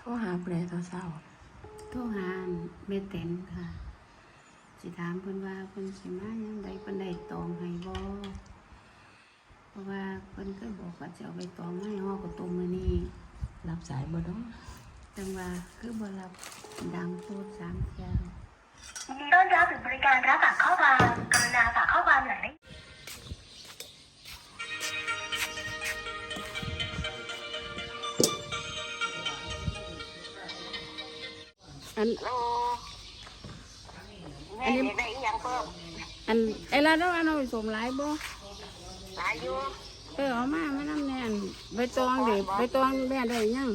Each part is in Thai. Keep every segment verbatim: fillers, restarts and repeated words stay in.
รหาผู้ใดตอนเช้าโทรหาแม่เต็นค่ะสิถามเพิ่นว่าเพิ่นสิมายังไดเพิ่นได้ตองให้บ่เพราะว่าเพิ่นเคยบอกว่าจะเอาไปตองให้ฮอกระตุ้มมื้อนี้รับสายบ่เนาะจังว่าคือบ่รับดังโพดสามเที่ยวยินดีต้อนรับถึงบริการรับฝากข้อความกรุณาฝากข้อความหลังได้อันอันนี้ได้ยังเพิ่มอันไอ้ลาดเอาไปสมหลายบ่หลายอยู่เออเอามามานํแน่นใบตองเด้ใบตองแม่ได้ยัง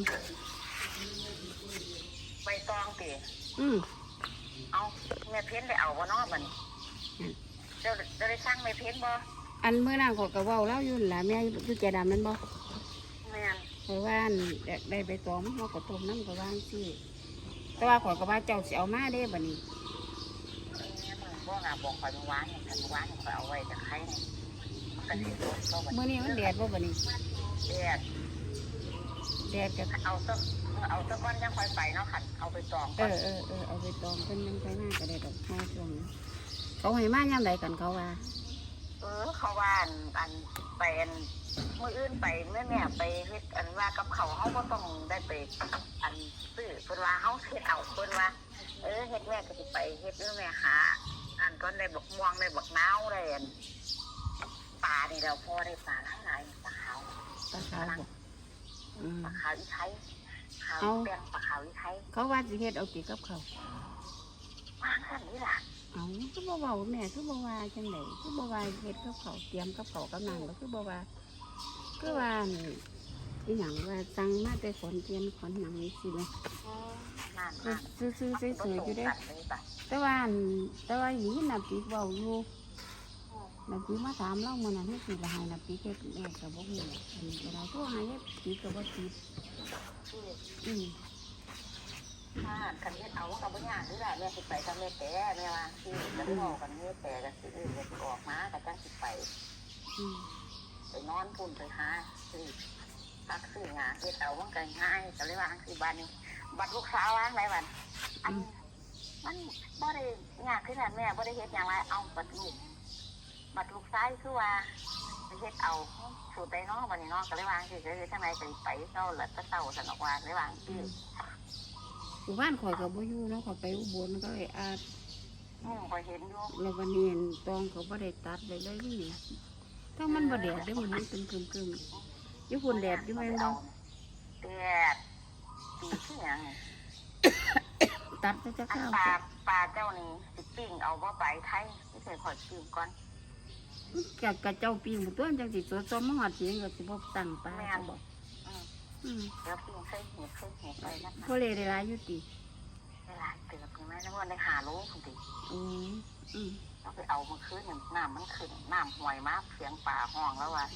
ใบตองติอือเอาแม่เพ้นได้เอาบ่เนาะบัดนี้เจ้าจะได้สั่งแม่เพ้นบ่อันมื้อนั้นก็ก็เว้าแล้วอยู่ล่ะแม่อยู่แก่ดำนั่นบ่แม่นเพราะว่าได้ใบตองเฮาก็ต้มน้ำก็วางซี่แต่ว่าข่อยก็ว่าเจ้าสิเอามาเด้บัดนี้บ่งาบอกข่อยเมื่อวานเนี่ยเมื่อวานข่อยเอาไว้แต่ไข่นี่มันก็สิโดนก็บัดมื้อนี้มันแดดบ่บัดนี้แดดแดดก็เอาซะเอาซะก่อนยังค่อยไปเนาะคั่นเอาไปตองเออเออเออเอาไปตองเพิ่นยังไปมาก็ได้ดอกเฮาช่วงนี้เขาให้มายามใดกันเขาว่าเออเขาว่าอันอันไปอันมื้ออื่นไปแม่แม่ไปเฮ็ดอันว่ากับเขาเฮาบ่ต้องได้ไปอันซื้อเพิ่นว่าเฮาเฮ็ดเอาเพิ่นว่าเออเฮ็ดแม่ก็สิไปเฮ็ดแม่หาอันก็ได้บักม่วงได้บักนาวได้อันปลานี่แล้วพอได้ปลาหลายๆปลาขาวปลาขาวบ่อืมปลาขาวอีไทยขาวแดงปลาขาวอีไทยเขาว่าสิเฮ็ดเอาติกับเขาวางซั่นนี่ล่ะเอ้าคือบ่เว้าแม่คือบ่ว่าจังได๋คือบ่ว่าเฮ็ดกับเขาเตรียมกับเขากับนางก็คือบ่ว่าคือว่าอีหยังว่าสั่งมาแต่ขอนเทียนขอนหยังนี่สิแม่นั่นๆซื่อๆสวยๆอยู่เด้แต่ว่าแต่ว่าอีน่ะปีเว้าอยู่น่ะปีมาถามเรามื้อนั้นเฮ็ดสิละให้น่ะปีเฮ็ดแม่ก็บ่ฮู้อันนี้ก็ได้โทรหาเฮ็ดปีก็บ่ติดอือถ้าคันเฮ็ดเอาก็บ่ยากคือล่ะแม่สิไปกับแม่แต่แม่ว่าสิจะเว้ากันแม่แต่ก็สิเฮ็ดออกมาก็จังสิไปอือไปนอนพุ่นไปหาสิตักซื้อหาเฮ็ดเอามันก็ง่ายก็เลยว่าจังซี่บัดนี้บัดลูกสาวว่าไงบัดอันมันบ่ได้ยากคือนั้นแม่บ่ได้เฮ็ดหยังว่าเอาบัดลูกบัดลูกชายคือว่าเฮ็ดเอาสูตรใดเนาะบัดนี้เนาะก็เลยว่าจังซี่เฮ็ดจังได๋ก็ไปเช้าแล้วก็เช้าซั่นออกว่าเลยว่าจังซี่หมู่บ้านข่อยก็บ่อยู่เนาะข่อยไปอุบลก็เลยอาดอือข่อยเห็นอยู่แล้ววันนี้ตองเขาบ่ได้ตัดได้เลยนี่ถ้ามันบ่แดดเด้มันมันตึมๆๆอยู่พุ่นแดดอยู่แม่นบ่แดดปีคือหยังตัดจะข้าวปลาปลาเจ้านี่สิปิ้งเอาบ่ไปไทยสิใส่ข่อยปิ้งก่อนกะกะเจ้าปิ้งบ่ตัวจังสิสดซ้อมมาฮอดสิก็สิบ่ตั้งปลาบ่อืมเดี๋ยวปิ้งใส่เห็ดใส่เห็ดไปนะพอเลยได้หลายอยู่ติได้หลายเติบนี่แม่นว่าได้หาโลพุ่นติอืออือเอาไปเอามื้อคืนนี่น้ำมันขึ้นน้ำห้วยมาเสียงปลาห้องแล้วว่า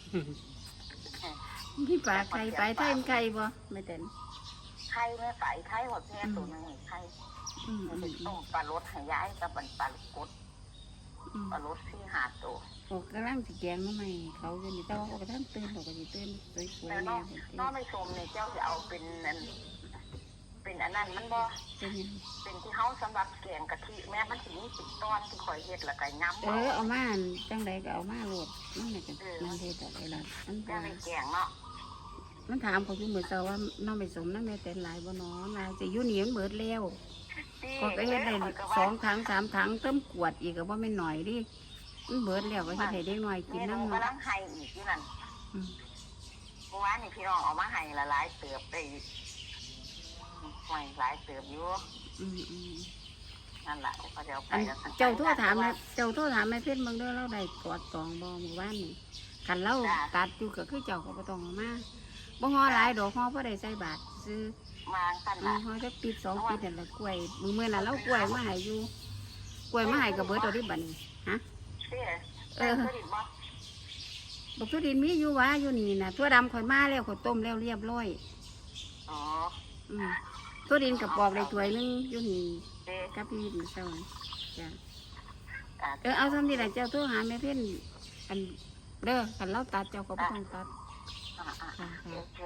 มีปลาไข่ปลาไทยไข่บ่แม่เต็นไข่แม่ปลาไทยหดแม่ตัวนึงไข่อืมต้องปลารสให้ย้ายกับปลาลูกกดปลารสที่หาตัวโอ้กำลังสิแกงมาใหม่เขาจะมีแต่ว่าก็ท่านตื่นเขาก็สิตื่นสวยๆแน่น้องไม่ชมเนี่ยเจ้าจะเอาเป็นอันเป็นอันนั้นมันบ่เป็นเป็นที่เฮาสำหรับแกงกะทิแม่มันสิมีสิบตอนที่ข่อยเฮ็ดแล้วก็ยำเออเอามาจังไดก็เอามาโลดมันน่ะก็มันเฮ็ดได้ล่ะมันบ่ได้แกงเนาะมันถามเขาอยู่มื้อเช้าว่าน้องไปสมนำแม่แต่หลายบ่น้อลายสิอยู่นี่มันเบิดแล้วก็ไปเฮ็ดได้สองถังสามถังเติมขวดอีกก็บ่แม่นน้อยดิมันเบิดแล้วก็เฮ็ดให้เด็กน้อยกินนำกำลังให้อีกอยู่นั่นอือเมื่อวานนี่พี่น้องเอามาให้ละหลายเติบได้หอยหลายเติบอยู่อืมๆนั่นล่ะเขาจะเอาไปเจ้าโทรถามเจ้าโทรถามแม่เพชรเบิ่งเด้อเราได้กอดตองบ่เมื่อวานนี่คันเราตัดอยู่ก็คือเจ้าก็บ่ต้องเอามาบ่ฮอหลายดอกฮอบ่ได้ใส่บาทซื้อมาซั่นล่ะฮอจักปีสองปีนั่นล่ะกล้วยมื้อมื้อนั้นเรากล้วยมาให้อยู่กล้วยมาให้ก็เบิดเอาดิบัดนี้ฮะเออบักทุดินมีอยู่วะอยู่นี่น่ะทั่วดำข่อยมาแล้วข่อยต้มแล้วเรียบร้อยอ๋ออืมทั่วดินกับปอกได้ถ้วยนึงอยู่นี่กับพี่มื้อเช้าจ้ะเออเอาซ้ำนี่ล่ะเจ้าโทรหาแม่เพิ่นอันเด้อคันเราตัดเจ้าก็บ่ต้องตัดค่ะ